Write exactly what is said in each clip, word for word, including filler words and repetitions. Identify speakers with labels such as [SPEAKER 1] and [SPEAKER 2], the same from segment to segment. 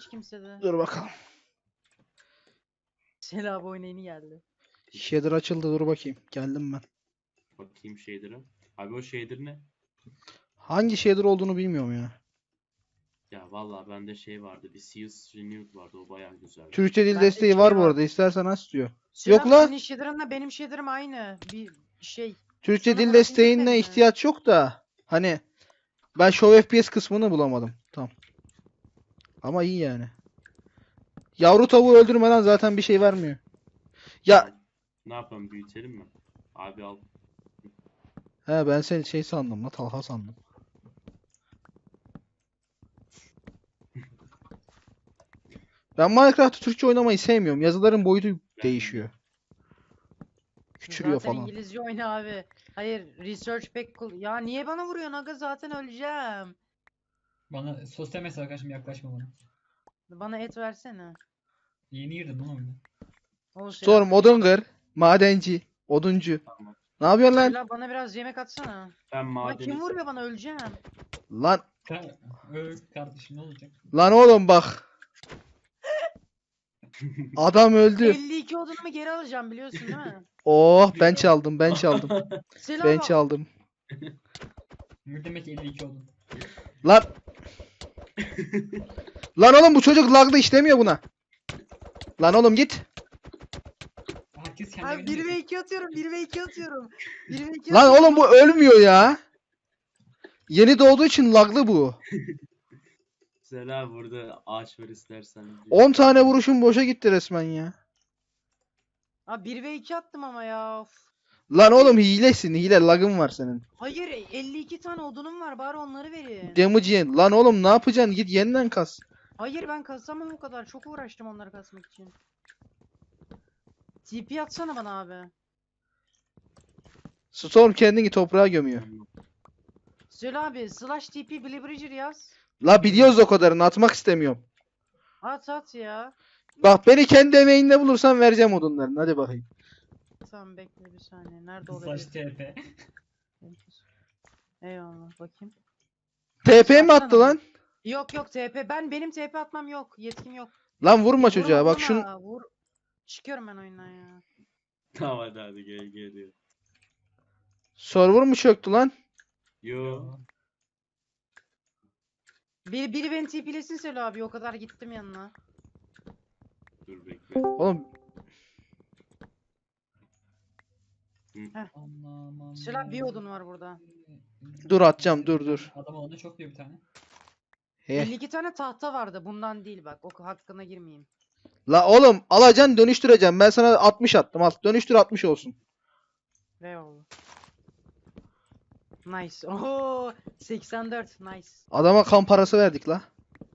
[SPEAKER 1] hiç kimsede.
[SPEAKER 2] Dur bakalım.
[SPEAKER 1] Selam oyuna yeni geldi.
[SPEAKER 2] Shader açıldı, dur bakayım. Geldim ben.
[SPEAKER 3] Bakayım shader'a. Abi o shader ne?
[SPEAKER 2] Hangi shader olduğunu bilmiyorum ya.
[SPEAKER 3] Ya vallahi bende şey vardı. Bir Seals Renewed vardı. O bayağı güzeldi.
[SPEAKER 2] Türkçe dil
[SPEAKER 1] Bende
[SPEAKER 2] desteği var
[SPEAKER 1] şey
[SPEAKER 2] bu
[SPEAKER 1] var.
[SPEAKER 2] arada. İstersen aç diyor.
[SPEAKER 1] Selam
[SPEAKER 2] Yok la.
[SPEAKER 1] senin shader'ınla benim shader'ım aynı. Bir şey.
[SPEAKER 2] Türkçe
[SPEAKER 1] Sana
[SPEAKER 2] dil
[SPEAKER 1] Murat indirmedi
[SPEAKER 2] desteğine
[SPEAKER 1] mi?
[SPEAKER 2] ihtiyaç yok da. Hani ben Show F P S kısmını bulamadım. Tamam. Ama iyi yani. Yavru tavuğu öldürmeden zaten bir şey vermiyor. Ya
[SPEAKER 3] Ne yapalım, büyütelim mi? Abi al.
[SPEAKER 2] he, ben seni şey sandım la, Talha sandım. Ben Minecraft'ı Türkçe oynamayı sevmiyorum. Yazıların boyutu
[SPEAKER 3] Ben
[SPEAKER 2] değişiyor. Küçülüyor
[SPEAKER 1] Zaten
[SPEAKER 2] falan.
[SPEAKER 1] İngilizce oyna abi. Hayır research pack kul- Ya niye bana vuruyorsun aga, zaten öleceğim.
[SPEAKER 4] Bana sosyal mesaj arkadaşım, yaklaşma bana.
[SPEAKER 1] Bana et versene.
[SPEAKER 4] Yeni girdim lan oyuna.
[SPEAKER 1] O
[SPEAKER 2] Storm,
[SPEAKER 1] selam.
[SPEAKER 2] Odunger, madenci, oduncu.
[SPEAKER 3] Tamam.
[SPEAKER 2] Ne yapıyorsun lan?
[SPEAKER 1] Selam, bana biraz yemek atsana.
[SPEAKER 3] Ben
[SPEAKER 1] Lan
[SPEAKER 3] madeni...
[SPEAKER 1] kim vuruyor, bana öleceğim.
[SPEAKER 2] Lan
[SPEAKER 4] Ka Ö, kardeşim ne olacak?
[SPEAKER 2] lan oğlum bak. Adam öldü.
[SPEAKER 1] elli iki odunumu geri alacağım, biliyorsun değil mi?
[SPEAKER 2] Oh, ben çaldım, ben çaldım.
[SPEAKER 1] Selam.
[SPEAKER 2] Ben çaldım.
[SPEAKER 4] Ne demek elli iki oldun?
[SPEAKER 2] Lan. Lan oğlum bu çocuk lagda işlemiyor buna. Lan oğlum git.
[SPEAKER 4] Herkes kendi
[SPEAKER 1] Abi
[SPEAKER 4] evine
[SPEAKER 1] bir ve
[SPEAKER 4] gidiyor.
[SPEAKER 1] iki atıyorum, bir ve iki atıyorum. bir ve iki
[SPEAKER 2] Lan
[SPEAKER 1] atıyorum.
[SPEAKER 2] oğlum bu ölmüyor ya. Yeni doğduğu için laglı bu.
[SPEAKER 3] Selam, burada ağaç var istersen.
[SPEAKER 2] on tane vuruşum boşa gitti resmen ya.
[SPEAKER 1] Abi bir ve iki attım ama ya. Of.
[SPEAKER 2] Lan oğlum hilesin, hile, lagın var senin.
[SPEAKER 1] Hayır, elli iki tane odunum var, bari onları verin.
[SPEAKER 2] Damage yiyen. Lan oğlum ne yapacaksın? Git yeniden kas.
[SPEAKER 1] Hayır, ben kasamam o kadar. Çok uğraştım onları kasmak için. T P atsana bana abi.
[SPEAKER 2] Storm kendini toprağa gömüyor.
[SPEAKER 1] Söyle abi, slash T P Blibridger yaz.
[SPEAKER 2] La biliyoruz o kadarını, atmak istemiyorum.
[SPEAKER 1] At at ya.
[SPEAKER 2] Bak beni kendi emeğinde bulursan vereceğim odunlarını. Hadi bakayım.
[SPEAKER 1] Tamam, bekle bir saniye. Nerede
[SPEAKER 4] Slash
[SPEAKER 1] olabilir?
[SPEAKER 4] T P.
[SPEAKER 1] Eyvallah, bakayım.
[SPEAKER 2] T P mi
[SPEAKER 1] Atsana
[SPEAKER 2] attı
[SPEAKER 1] bana.
[SPEAKER 2] lan?
[SPEAKER 1] Yok yok, T P. Ben benim T P atmam yok. Yetkim yok.
[SPEAKER 2] Lan vurma çocuğa.
[SPEAKER 1] Vurma,
[SPEAKER 2] Bak şun
[SPEAKER 1] vurma, vur. Çıkıyorum ben oyundan ya.
[SPEAKER 3] Tamam hadi hadi gel geliyor.
[SPEAKER 2] server mı çöktü lan?
[SPEAKER 3] Yo.
[SPEAKER 1] Biri, biri beni T P'lesin söyle abi. O kadar gittim yanına.
[SPEAKER 3] Dur bekle.
[SPEAKER 2] Oğlum
[SPEAKER 4] Aman
[SPEAKER 1] Söyle abi, bir odun var burada.
[SPEAKER 2] dur atacağım, dur dur.
[SPEAKER 4] Adam olanda çok diyor bir tane.
[SPEAKER 2] He.
[SPEAKER 1] elli iki tane tahta vardı. Bundan değil bak. O hakkına girmeyeyim.
[SPEAKER 2] La oğlum alacaksın, dönüştüreceğim. Ben sana altmış attım. Al dönüştür, altmış olsun.
[SPEAKER 1] Eyvallah. Nice. Oho, seksen dört. Nice.
[SPEAKER 2] Adama kan parası verdik la.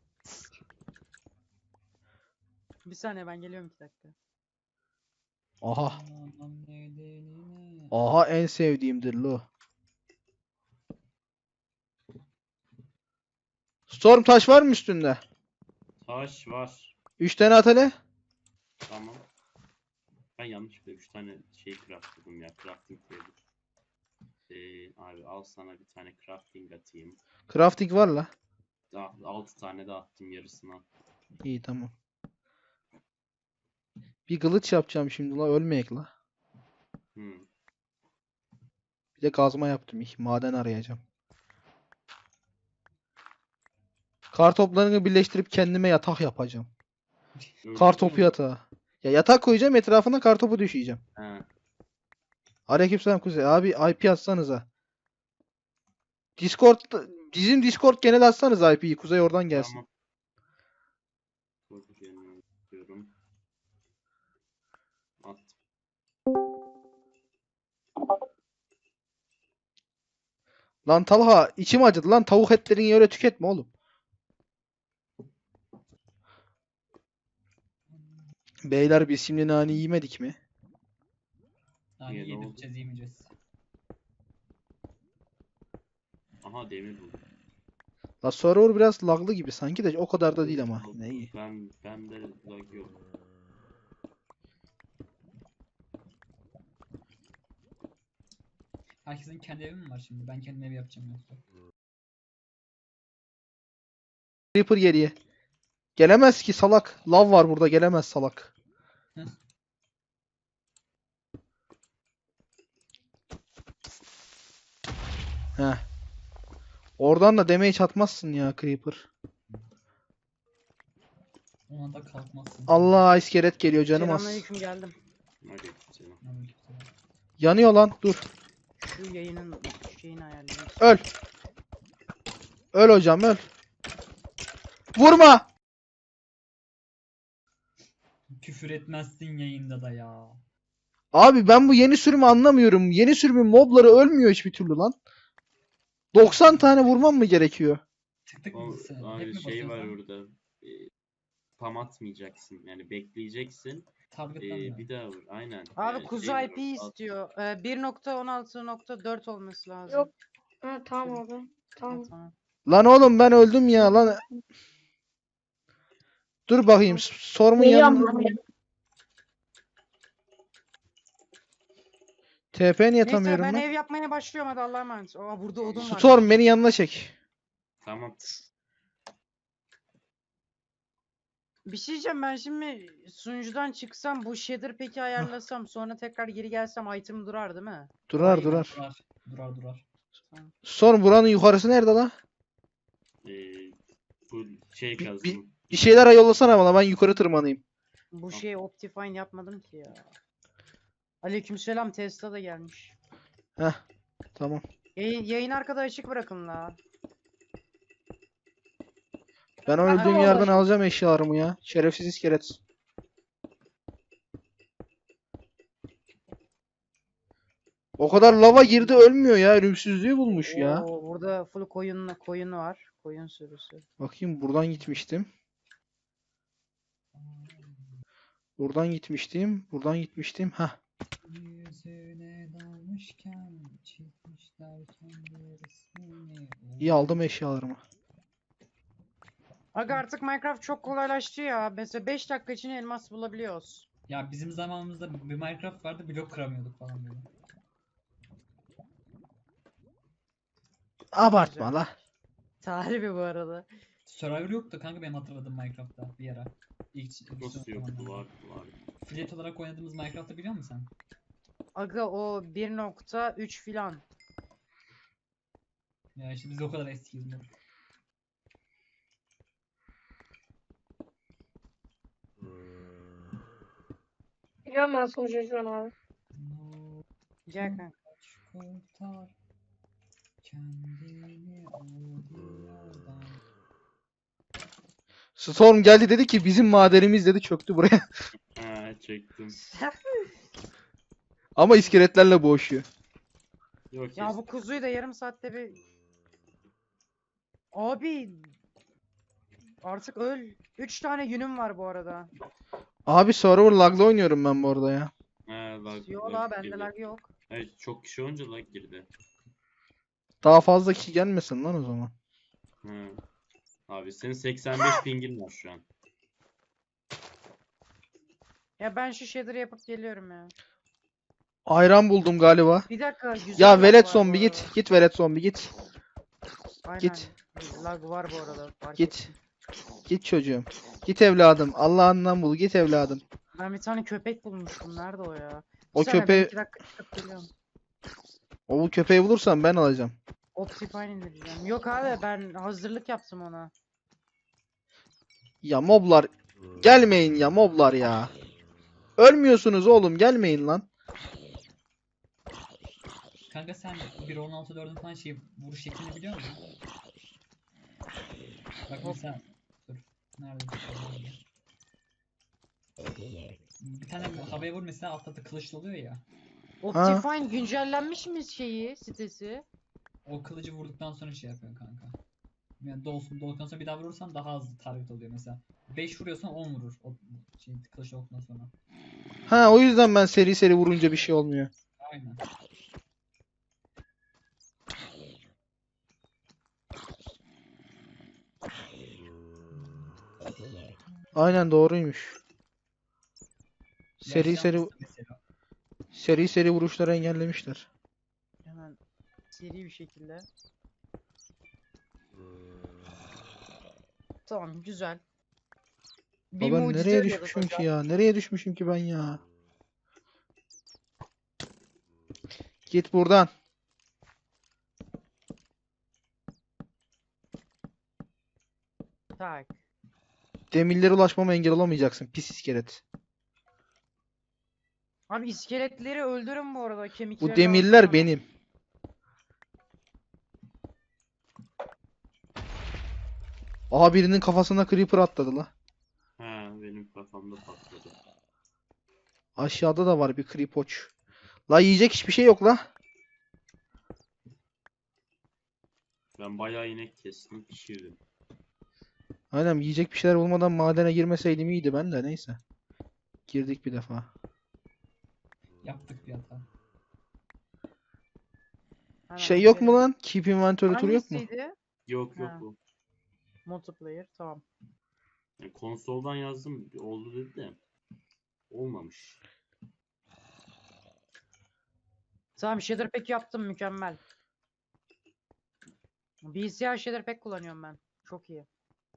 [SPEAKER 1] Bir saniye, ben geliyorum iki dakika.
[SPEAKER 2] Aha.
[SPEAKER 4] Aman bedeline.
[SPEAKER 2] Aha en sevdiğimdir lo. Storm taş var mı üstünde?
[SPEAKER 3] Taş var.
[SPEAKER 2] üç tane at hele.
[SPEAKER 3] Tamam. Ben yanlışlıkla üç tane şey craftladım ya. Crafting table. Ee, abi al sana bir tane crafting atayım.
[SPEAKER 2] Crafting var la.
[SPEAKER 3] Daha altı tane de attım yarısına.
[SPEAKER 2] İyi tamam. Bir kılıç yapacağım şimdi la, ölmeyek la.
[SPEAKER 3] Hmm.
[SPEAKER 2] Bir de kazma yaptım. İh, maden arayacağım. Kar toplarını birleştirip kendime yatak yapacağım. Kar topu yatağı. Ya yatak koyacağım, etrafına kar topu düşeceğim.
[SPEAKER 3] He.
[SPEAKER 2] Aleykümselam Kuzey. Abi I P atsanıza. Discord, bizim Discord genel atsanız I P'yi. Kuzey oradan gelsin.
[SPEAKER 3] Tamam. Dur, gelin diyorum. At.
[SPEAKER 2] Lan Talha içim acıdı lan, tavuk etlerini öyle tüketme oğlum. Beyler biz şimdi nane yemedik mi?
[SPEAKER 4] Yani
[SPEAKER 3] Niye, ne oldu?
[SPEAKER 4] yedireceğiz yemeyeceğiz.
[SPEAKER 3] Aha demir buldum.
[SPEAKER 2] La server biraz laglı gibi sanki de o kadar da değil ama yine iyi.
[SPEAKER 3] Ben ben de lag yok.
[SPEAKER 4] Herkesin kendi evi mi var şimdi? Ben kendim ev yapacağım yoksa.
[SPEAKER 2] Creeper geriye. Gelemez ki salak. Lav var burada, gelemez salak.
[SPEAKER 4] Hı.
[SPEAKER 2] Heh. Oradan da damage atmazsın ya Creeper.
[SPEAKER 4] Ona da kalkmazsın.
[SPEAKER 2] Allah, iskelet geliyor canım az.
[SPEAKER 1] Selamünaleyküm, geldim.
[SPEAKER 3] Aleykümselam.
[SPEAKER 4] Aleykümselam.
[SPEAKER 2] Yanıyor lan, dur.
[SPEAKER 1] Şu yayının şeyini ayarlayayım.
[SPEAKER 2] Öl. Öl hocam, öl. Vurma.
[SPEAKER 4] Küfür etmezsin yayında da ya.
[SPEAKER 2] Abi ben bu yeni sürümü anlamıyorum. Yeni sürümün mobları ölmüyor hiçbir türlü lan. doksan tane vurmam mı gerekiyor?
[SPEAKER 4] Tık tık
[SPEAKER 3] O,
[SPEAKER 4] mısın? Hep
[SPEAKER 3] abi
[SPEAKER 4] mi
[SPEAKER 3] şey
[SPEAKER 4] basıyorsun
[SPEAKER 3] var
[SPEAKER 4] sen?
[SPEAKER 3] orada. E, tam atmayacaksın. Yani bekleyeceksin.
[SPEAKER 4] Target'ten
[SPEAKER 3] E,
[SPEAKER 4] mi?
[SPEAKER 3] bir daha vur. Aynen.
[SPEAKER 1] Abi
[SPEAKER 3] Yani
[SPEAKER 1] kuzu
[SPEAKER 3] şey var
[SPEAKER 1] I P
[SPEAKER 3] orada, at-
[SPEAKER 1] istiyor. Ee, bir nokta on altı nokta dört olması lazım.
[SPEAKER 5] Yok. Ha, tamam abi.
[SPEAKER 1] Ha,
[SPEAKER 5] Tamam.
[SPEAKER 1] tamam.
[SPEAKER 2] Lan oğlum ben öldüm ya lan. Dur bakayım. Sormun yanına.
[SPEAKER 5] Geliyorum abi.
[SPEAKER 2] T P niye
[SPEAKER 1] Neyse
[SPEAKER 2] atamıyorum
[SPEAKER 1] ben
[SPEAKER 2] ben?
[SPEAKER 1] ev yapmaya başlıyorum, hadi Allah'a emanet. Aa, burada odun var.
[SPEAKER 2] Storm beni yanına çek.
[SPEAKER 3] Tamam.
[SPEAKER 1] Bir şey diyeceğim, ben şimdi sunucudan çıksam bu shader peki ayarlasam sonra tekrar geri gelsem item durar değil mi?
[SPEAKER 2] Durar
[SPEAKER 1] Vay be.
[SPEAKER 2] durar.
[SPEAKER 4] Durar. Durar durar.
[SPEAKER 2] Storm buranın yukarısı nerede lan?
[SPEAKER 3] E, bu şey
[SPEAKER 2] Bir-
[SPEAKER 3] kazdım.
[SPEAKER 2] bir- Bir şeyler yollasana bana, ben yukarı tırmanayım.
[SPEAKER 1] Bu şey Optifine yapmadım ki ya. Aleykümselam, Tesla da gelmiş.
[SPEAKER 2] Heh. Tamam.
[SPEAKER 1] Yayın, yayın arkada açık bırakın la.
[SPEAKER 2] Ben o öldüğüm
[SPEAKER 1] Allah
[SPEAKER 2] yerden
[SPEAKER 1] aşkına.
[SPEAKER 2] alacağım eşyalarımı ya. Şerefsiz iskelet. O kadar lava girdi ölmüyor ya. Ölümsüzlüğü bulmuş ya.
[SPEAKER 1] Oo, burada full koyun koyun var. Koyun sürüsü.
[SPEAKER 2] Bakayım, buradan gitmiştim. Buradan gitmiştim. Buradan gitmiştim. Hah.
[SPEAKER 4] Yüzüne dalmışken çizmişler kendi resmini.
[SPEAKER 2] İyi, aldım eşyalarımı.
[SPEAKER 1] Aga artık Minecraft çok kolaylaştı ya. Mesela beş dakika için elmas bulabiliyoruz.
[SPEAKER 4] Ya bizim zamanımızda bir Minecraft vardı, blok kıramıyorduk falan böyle.
[SPEAKER 2] Abartma la.
[SPEAKER 1] Tarihi bu arada.
[SPEAKER 4] Survivor yoktu kanka benim hatırladığım Minecraft'ta bir ara. İlk, ilk
[SPEAKER 3] Nasıl
[SPEAKER 4] son
[SPEAKER 3] yok?
[SPEAKER 4] zamanlarda.
[SPEAKER 3] Var var.
[SPEAKER 4] Flat olarak oynadığımız Minecraft'ı biliyor musun sen?
[SPEAKER 1] Aga o bir nokta üç filan.
[SPEAKER 4] Ya işte biz de o kadar eskiyiz mi?
[SPEAKER 5] Geliyorum ben sonuca şu an abi.
[SPEAKER 4] No,
[SPEAKER 1] Gel kanka.
[SPEAKER 4] kurtar kendini o dünyadan.
[SPEAKER 2] Storm geldi dedi ki bizim madenimiz dedi, çöktü buraya.
[SPEAKER 3] Ha, çektim.
[SPEAKER 2] Ama iskeletlerle boğuşuyor.
[SPEAKER 3] Yok
[SPEAKER 1] Ya
[SPEAKER 3] ya
[SPEAKER 1] bu kuzuyu da yarım saatte bir... Abi... Artık öl. üç tane yünüm var bu arada.
[SPEAKER 2] Abi server lag'la oynuyorum ben bu arada ya.
[SPEAKER 3] Ha, lag,
[SPEAKER 1] Yo
[SPEAKER 3] lag
[SPEAKER 1] la bende
[SPEAKER 3] girdi.
[SPEAKER 1] lag yok.
[SPEAKER 3] Hayır, çok kişi olunca lag girdi.
[SPEAKER 2] Daha fazla kişi gelmesin lan o zaman.
[SPEAKER 3] Ha. Abi senin seksen beş pingin var şu an.
[SPEAKER 1] Ya ben şu shader'ı yapıp geliyorum ya.
[SPEAKER 2] Ayran buldum galiba.
[SPEAKER 1] Bir dakika, güzel
[SPEAKER 2] Ya
[SPEAKER 1] lag
[SPEAKER 2] velet
[SPEAKER 1] var bu
[SPEAKER 2] zombi git.
[SPEAKER 1] arada.
[SPEAKER 2] Git velet zombi git.
[SPEAKER 1] Aynen.
[SPEAKER 2] Git.
[SPEAKER 1] Lag var bu arada. Fark
[SPEAKER 2] Git.
[SPEAKER 1] ettim.
[SPEAKER 2] Git çocuğum. Git evladım. Allah'ından bul. Git evladım.
[SPEAKER 1] Ben bir tane köpek bulmuştum. Nerede o ya?
[SPEAKER 2] O
[SPEAKER 1] Bir saniye, ben
[SPEAKER 2] köpeği,
[SPEAKER 1] iki dakika çıkıp geliyorum.
[SPEAKER 2] o bu köpeği bulursam ben alacağım.
[SPEAKER 1] Optifine indireceğim. Yok abi, ben hazırlık yaptım ona.
[SPEAKER 2] Ya moblar gelmeyin ya moblar ya. Ölmüyorsunuz oğlum, gelmeyin lan.
[SPEAKER 4] Kanka sen bir on altı dördün falan şey vuruş şeklini biliyor musun? Bak mesela dur. Nerede? Bir tane havaya vur mesela, altta da kılıçlı oluyor ya.
[SPEAKER 1] Optifine güncellenmiş mi şeyi, sitesi?
[SPEAKER 4] O kılıcı vurduktan sonra şey yapıyor kanka. Yani dolsun dolduktan sonra bir daha vurursan daha az target oluyor mesela. beş vuruyorsan on vurur o şey kılıç olduktan sonra.
[SPEAKER 2] Ha, o yüzden ben seri seri vurunca bir şey olmuyor.
[SPEAKER 4] Aynen.
[SPEAKER 2] Aynen doğruymuş. Seri
[SPEAKER 4] Yaşlanmışsın
[SPEAKER 2] seri
[SPEAKER 4] mesela.
[SPEAKER 2] seri seri vuruşları engellemişler.
[SPEAKER 1] Hemen seri bir şekilde. Tamam, güzel. Bir
[SPEAKER 2] Ben
[SPEAKER 1] mucize
[SPEAKER 2] nereye
[SPEAKER 1] arıyoruz
[SPEAKER 2] düşmüşüm ki
[SPEAKER 1] hocam.
[SPEAKER 2] ya? Nereye düşmüşüm ki ben ya? Git buradan.
[SPEAKER 1] Tak.
[SPEAKER 2] Demirlere ulaşmama engel olamayacaksın. Pis iskelet.
[SPEAKER 1] Abi iskeletleri öldürün bu arada.
[SPEAKER 2] Bu
[SPEAKER 1] Kemikleri
[SPEAKER 2] demirler
[SPEAKER 1] lazım bana.
[SPEAKER 2] benim. Aha birinin kafasına creeper atladı la.
[SPEAKER 3] Ha, benim kafamda patladı.
[SPEAKER 2] Aşağıda da var bir creepoç. La yiyecek hiçbir şey yok la.
[SPEAKER 3] Ben bayağı inek kestim, pişirdim.
[SPEAKER 2] Aynen yiyecek bir şeyler bulmadan madene girmeseydim iyiydi ben de neyse. Girdik bir defa.
[SPEAKER 4] Yaptık bir hata.
[SPEAKER 1] Hemen
[SPEAKER 2] Şey yok mu
[SPEAKER 1] gidelim.
[SPEAKER 2] lan? Keep inventory turu yok mu?
[SPEAKER 1] Hangisiydi?
[SPEAKER 3] Yok yok
[SPEAKER 1] Ha.
[SPEAKER 3] bu.
[SPEAKER 1] Multiplayer. Tamam.
[SPEAKER 3] Yani konsoldan yazdım, oldu dedi de olmamış.
[SPEAKER 1] Tamam shader pack yaptım mükemmel. Bilgisayar shader pack kullanıyorum ben. Çok iyi.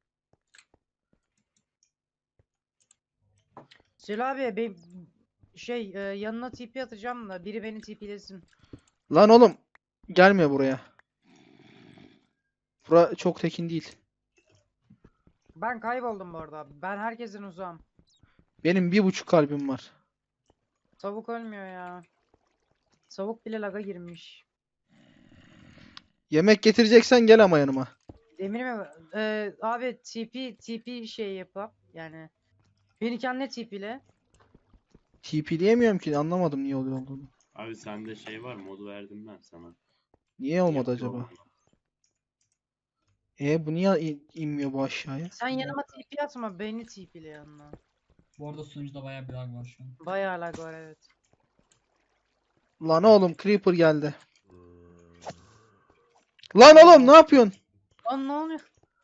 [SPEAKER 1] Sel abi be, şey e, yanına T P atacağım da biri beni TP'lesin.
[SPEAKER 2] Lan oğlum gelme buraya. Bura çok tekin değil.
[SPEAKER 1] Ben kayboldum bu arada. Ben herkesin uzağım.
[SPEAKER 2] Benim bir buçuk kalbim var.
[SPEAKER 1] Tavuk ölmüyor ya. Tavuk bile laga girmiş.
[SPEAKER 2] Yemek getireceksen gel ama yanıma.
[SPEAKER 1] Demir mi? Ee, abi T P T P şey yapıp yani beni kendine T P'le.
[SPEAKER 2] T P diyemiyorum ki anlamadım niye oluyor olduğunu.
[SPEAKER 3] Abi sende şey var, modu verdim ben sana.
[SPEAKER 2] Niye olmadı
[SPEAKER 3] Yapı
[SPEAKER 2] acaba?
[SPEAKER 3] olmadı.
[SPEAKER 2] E bu niye in- inmiyor bu aşağıya?
[SPEAKER 1] Sen yanıma T P atma beni T P'le yanına.
[SPEAKER 4] Bu arada sunucuda bayağı bir lag var şu an.
[SPEAKER 1] Bayağı lag var evet.
[SPEAKER 2] Lan oğlum creeper geldi. Lan oğlum ne yapıyorsun?
[SPEAKER 1] Lan ne oluyor?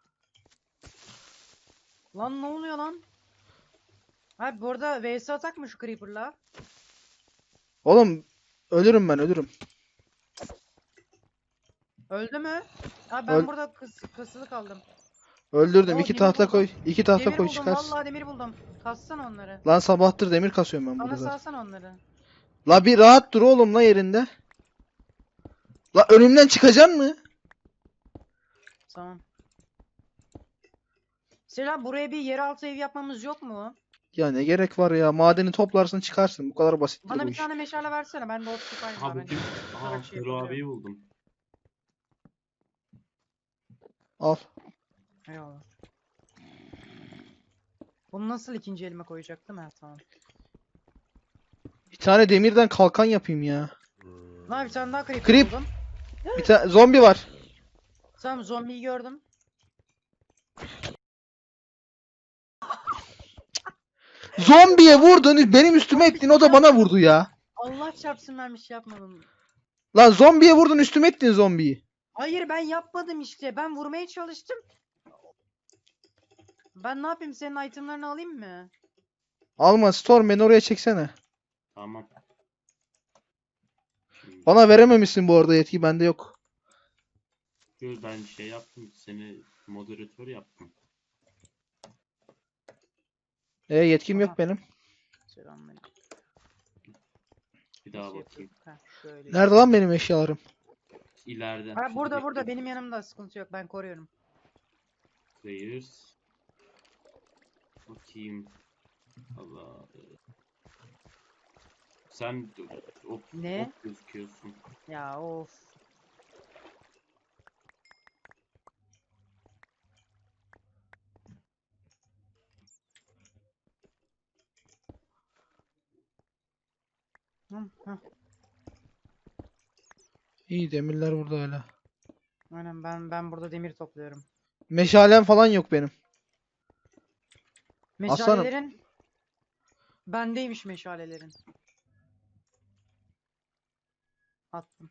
[SPEAKER 1] Lan ne oluyor lan? Abi bu arada V S atak mı şu Creeper'la?
[SPEAKER 2] Oğlum ölürüm ben ölürüm.
[SPEAKER 1] Öldü mü? Abi ben
[SPEAKER 2] Öl-
[SPEAKER 1] burada kıs kısılı kaldım.
[SPEAKER 2] Öldürdüm.
[SPEAKER 1] Oo,
[SPEAKER 2] İki
[SPEAKER 1] demir
[SPEAKER 2] tahta
[SPEAKER 1] buldum.
[SPEAKER 2] koy. İki tahta
[SPEAKER 1] Demir
[SPEAKER 2] koy
[SPEAKER 1] buldum
[SPEAKER 2] çıkarsın.
[SPEAKER 1] vallahi demir buldum. Kassana onları.
[SPEAKER 2] Lan sabahtır demir kasıyorum ben
[SPEAKER 1] Bana
[SPEAKER 2] burada zaten.
[SPEAKER 1] salsana onları.
[SPEAKER 2] La bir rahat dur oğlum la yerinde. La önümden çıkacaksın mı?
[SPEAKER 1] Tamam. Selam buraya bir yeraltı ev yapmamız yok mu?
[SPEAKER 2] Ya ne gerek var ya? Madeni toplarsın çıkarsın. Bu kadar basittir
[SPEAKER 1] Bana
[SPEAKER 2] bu
[SPEAKER 1] bir
[SPEAKER 2] iş.
[SPEAKER 1] tane meşale versene. Ben de ot tutayım.
[SPEAKER 3] Ha
[SPEAKER 1] ben
[SPEAKER 3] bu kim? Aha
[SPEAKER 1] tutarak şey
[SPEAKER 3] Hero
[SPEAKER 1] yapabiliyorum.
[SPEAKER 3] abiyi buldum.
[SPEAKER 2] Al.
[SPEAKER 1] Eyvallah. Bunu nasıl ikinci elime koyacaktım? Ha tamam.
[SPEAKER 2] Bir tane demirden kalkan yapayım ya.
[SPEAKER 1] Lan bir tane daha creeper
[SPEAKER 2] Creep.
[SPEAKER 1] buldum.
[SPEAKER 2] Bir tane zombi var.
[SPEAKER 1] Tamam zombiyi gördüm.
[SPEAKER 2] Zombiye vurdun, benim üstüme ettin, o da bana vurdu ya.
[SPEAKER 1] Allah çarpsın ben bir şey yapmadım.
[SPEAKER 2] Lan zombiye vurdun, üstüme ettin zombiyi.
[SPEAKER 1] Hayır ben yapmadım işte. Ben vurmaya çalıştım. Ben ne yapayım? Senin itemlerini alayım mı?
[SPEAKER 2] Alma Storm, beni oraya çeksene.
[SPEAKER 3] Tamam. Şimdi
[SPEAKER 2] Bana verememişsin bu arada, yetki bende yok.
[SPEAKER 3] dur, ben şey yaptım. Seni moderatör yaptım.
[SPEAKER 2] E yetkim yok
[SPEAKER 1] Aha.
[SPEAKER 2] benim.
[SPEAKER 1] Selamünaleyküm.
[SPEAKER 3] Bir
[SPEAKER 1] Bir
[SPEAKER 3] daha
[SPEAKER 1] şey
[SPEAKER 3] bakayım.
[SPEAKER 1] yapayım. Heh, şöyle.
[SPEAKER 2] Nerede lan benim eşyalarım?
[SPEAKER 3] İleride.
[SPEAKER 1] Ha
[SPEAKER 3] Şimdi
[SPEAKER 1] burada
[SPEAKER 3] bekle.
[SPEAKER 1] burada benim yanımda sıkıntı yok. Ben koruyorum.
[SPEAKER 3] Players. Bakayım. Allah. Sen ok,
[SPEAKER 1] Ne?
[SPEAKER 3] ok gözüküyorsun.
[SPEAKER 1] Ya of. Hı, hı.
[SPEAKER 2] İyi, demirler burada hala.
[SPEAKER 1] Aynen ben ben burada demir topluyorum.
[SPEAKER 2] Meşalem falan yok benim. Aslanım.
[SPEAKER 1] Meşalelerin bendeymiş meşalelerin. Attım.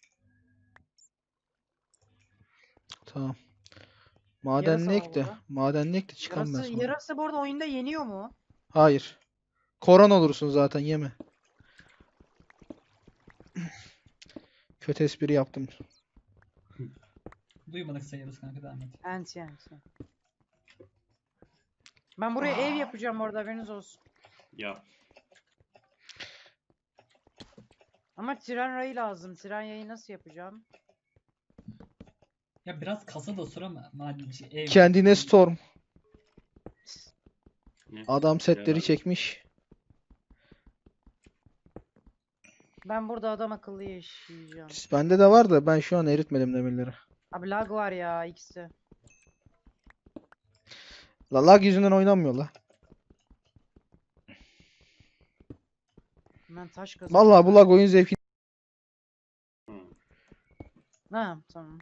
[SPEAKER 2] Tamam. Madenli
[SPEAKER 1] Yarasa var
[SPEAKER 2] ek de.
[SPEAKER 1] burada.
[SPEAKER 2] Madenli ek de çıkan ben
[SPEAKER 1] Yarası,
[SPEAKER 2] sonra.
[SPEAKER 1] yarası bu arada oyunda yeniyor mu?
[SPEAKER 2] Hayır. Koron olursun zaten, yeme. Kötü espri yaptım.
[SPEAKER 4] Duymadık sayarız kanka, devam et.
[SPEAKER 1] Anti anti. Ben buraya ev yapacağım orada, haberiniz olsun.
[SPEAKER 3] Ya
[SPEAKER 1] Ama tren rayı lazım. Tren yayı nasıl yapacağım?
[SPEAKER 4] Ya biraz kasa da sıra mı? Madem şey, ev.
[SPEAKER 2] Kendine Storm.
[SPEAKER 3] ne?
[SPEAKER 2] Adam setleri
[SPEAKER 3] Beraber-
[SPEAKER 2] çekmiş.
[SPEAKER 1] Ben burada adam akıllı yaşayacağım.
[SPEAKER 2] Bende de var da ben şu an eritmedim demirleri.
[SPEAKER 1] Abi lag var ya ikisi.
[SPEAKER 2] La lag yüzünden oynanmıyor la.
[SPEAKER 1] Ben taş kazıyorum.
[SPEAKER 2] Vallahi bu lag oyun zevki.
[SPEAKER 3] Hı.
[SPEAKER 1] Ha tamam.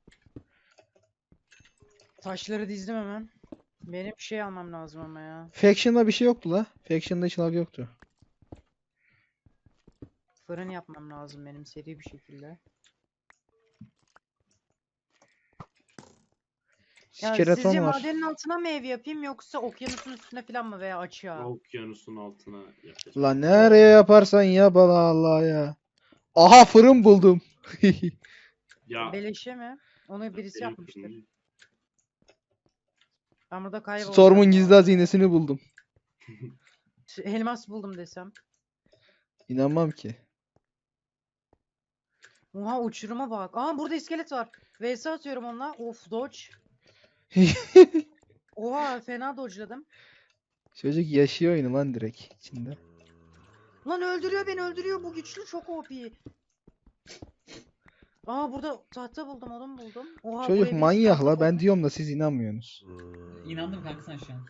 [SPEAKER 1] Taşları dizdim hemen. Benim şey almam lazım ama ya.
[SPEAKER 2] Faction'da bir şey yoktu la. Faction'da hiç lag yoktu.
[SPEAKER 1] Fırın yapmam lazım benim seri bir şekilde. Ya
[SPEAKER 2] Skeleton
[SPEAKER 1] sizce
[SPEAKER 2] var.
[SPEAKER 1] madenin altına mı ev yapayım yoksa okyanusun üstüne falan mı veya açığa?
[SPEAKER 3] Okyanusun altına yapacağım.
[SPEAKER 2] La nereye yaparsan yap Allah Allah ya. Aha fırın buldum.
[SPEAKER 3] Ya
[SPEAKER 1] Beleşe mi? Onu birisi
[SPEAKER 3] benim
[SPEAKER 1] yapmıştır.
[SPEAKER 3] fırınım-
[SPEAKER 1] Ben burada kaybolacağım.
[SPEAKER 2] Storm'un
[SPEAKER 1] ya.
[SPEAKER 2] gizli hazinesini buldum.
[SPEAKER 1] Elmas buldum desem.
[SPEAKER 2] İnanmam ki.
[SPEAKER 1] Oha uçuruma bak. Aa burada iskelet var. V S atıyorum onunla. Of dodge. Oha fena dodge'ladım.
[SPEAKER 2] Çocuk yaşıyor oyunu lan direkt içinde.
[SPEAKER 1] Lan öldürüyor beni öldürüyor. Bu güçlü çok O P. Aa burada tahta buldum odun buldum. Oha
[SPEAKER 2] Çocuk
[SPEAKER 1] buraya bir
[SPEAKER 2] manyak
[SPEAKER 1] tahta
[SPEAKER 2] la ben
[SPEAKER 1] koydum.
[SPEAKER 2] diyorum da siz inanmıyorsunuz.
[SPEAKER 4] İnandım kanka sen şu an.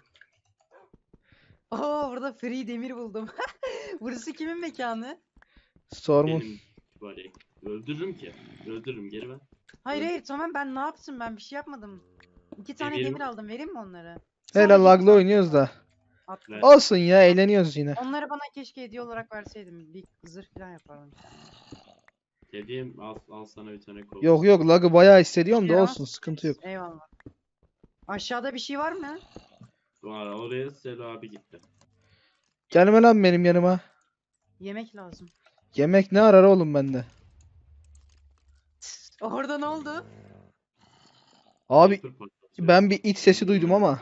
[SPEAKER 1] Aa burada free demir buldum. Burası kimin mekanı?
[SPEAKER 2] Storm'un.
[SPEAKER 3] Benim var ya. Öldürürüm ki. Öldürürüm geri ver.
[SPEAKER 1] Hayır hayır tamam ben ne yaptım ben bir şey yapmadım. İki tane
[SPEAKER 3] Demir
[SPEAKER 1] demir
[SPEAKER 3] mi?
[SPEAKER 1] aldım vereyim mi onları?
[SPEAKER 2] Hele
[SPEAKER 1] Sadece
[SPEAKER 2] lagla
[SPEAKER 1] iki
[SPEAKER 2] oynuyoruz da.
[SPEAKER 1] attım.
[SPEAKER 3] Ver.
[SPEAKER 2] Olsun ya eğleniyoruz yine.
[SPEAKER 1] Onları bana keşke hediye olarak verseydim. Bir zırh falan yapardım.
[SPEAKER 3] Dediğim al, al sana bir tane kol.
[SPEAKER 2] Yok yok lagı bayağı hissediyorum da
[SPEAKER 1] Ya.
[SPEAKER 2] olsun sıkıntı yok.
[SPEAKER 1] Eyvallah. Aşağıda bir şey var mı?
[SPEAKER 3] Var, oraya Selo abi gitti.
[SPEAKER 2] Gelme lan benim yanıma.
[SPEAKER 1] Yemek lazım.
[SPEAKER 2] Yemek ne arar oğlum bende?
[SPEAKER 1] Orada ne oldu?
[SPEAKER 2] Abi
[SPEAKER 3] Creeper patlatıyor.
[SPEAKER 2] ben bir it sesi duydum ama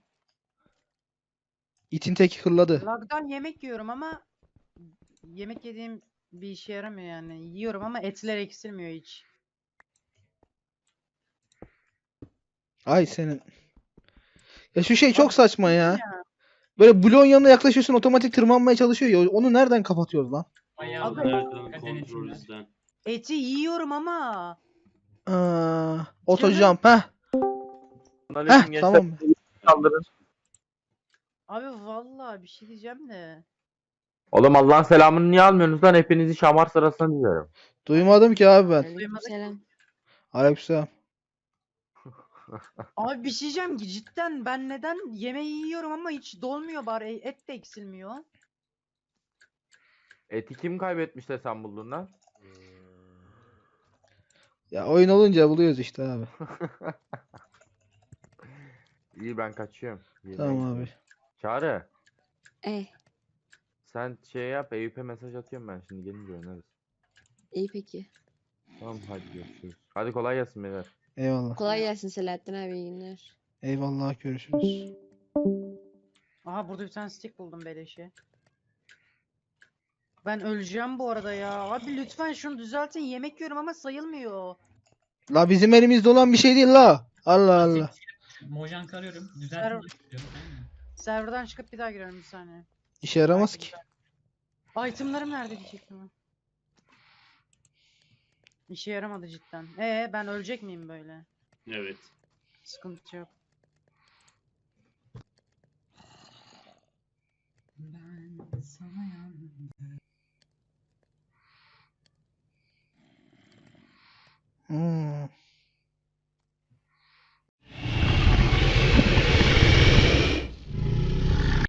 [SPEAKER 2] itin teki hırladı.
[SPEAKER 1] Lagdan yemek yiyorum ama yemek yediğim bir işe yaramıyor yani. Yiyorum ama etler eksilmiyor hiç.
[SPEAKER 2] Ay senin. Ya şu şey çok
[SPEAKER 1] Abi,
[SPEAKER 2] saçma ya.
[SPEAKER 1] ya.
[SPEAKER 2] Böyle bloğun yanına yaklaşıyorsun otomatik tırmanmaya çalışıyor ya. Onu nereden kapatıyoruz lan?
[SPEAKER 4] Bayağı
[SPEAKER 1] Abi-
[SPEAKER 3] Nereden
[SPEAKER 4] Dikkat
[SPEAKER 3] kontrol
[SPEAKER 4] denetimler.
[SPEAKER 3] izlen.
[SPEAKER 1] Eti yiyorum ama.
[SPEAKER 2] Aa, otojump heh.
[SPEAKER 6] Aleyküm
[SPEAKER 2] Heh
[SPEAKER 6] gençler.
[SPEAKER 2] tamam.
[SPEAKER 6] Kaldırın.
[SPEAKER 1] Abi vallahi bir şey diyeceğim de.
[SPEAKER 6] Oğlum Allah'ın selamını niye almıyorsunuz lan? Hepinizi şamar sırasına diyorum.
[SPEAKER 2] Duymadım ki abi ben.
[SPEAKER 1] Duymadık.
[SPEAKER 7] Selam.
[SPEAKER 2] Aleykümselam.
[SPEAKER 1] Abi bir şey diyeceğim ki cidden ben neden yemeği yiyorum ama hiç dolmuyor bari et de eksilmiyor.
[SPEAKER 6] Eti kim kaybetmiş de sen buldun lan?
[SPEAKER 2] Ya oyun olunca buluyoruz işte abi.
[SPEAKER 6] İyi ben kaçıyorum. Yemeğe
[SPEAKER 2] Tamam
[SPEAKER 6] gidiyorum.
[SPEAKER 2] abi.
[SPEAKER 6] Çağrı.
[SPEAKER 7] Eh,
[SPEAKER 6] Sen şey yap. Eyüp'e mesaj atıyorum ben şimdi gelince oynarız.
[SPEAKER 7] iyi peki.
[SPEAKER 6] Tamam hadi görüşürüz. Hadi kolay gelsin beyler.
[SPEAKER 2] Eyvallah.
[SPEAKER 7] Kolay gelsin Selahattin abi, iyi günler.
[SPEAKER 2] Eyvallah görüşürüz.
[SPEAKER 1] Aha burada bir tane stick buldum beleşe. Ben öleceğim bu arada ya. Abi lütfen şunu düzeltin. Yemek yiyorum ama sayılmıyor.
[SPEAKER 2] La bizim elimizde olan bir şey değil la. Allah Allah.
[SPEAKER 4] Mojang arıyorum.
[SPEAKER 1] Server-
[SPEAKER 4] Düzeltin diyorum. Tamam mı?
[SPEAKER 1] Serverdan çıkıp bir daha giriyorum bir saniye.
[SPEAKER 2] İşe yaramaz ki.
[SPEAKER 1] Itemlarım nerede diyecektim ben. İşe yaramadı cidden. Ee ben ölecek miyim böyle?
[SPEAKER 3] Evet.
[SPEAKER 1] Sıkıntı yok.
[SPEAKER 4] Ben sana yandım.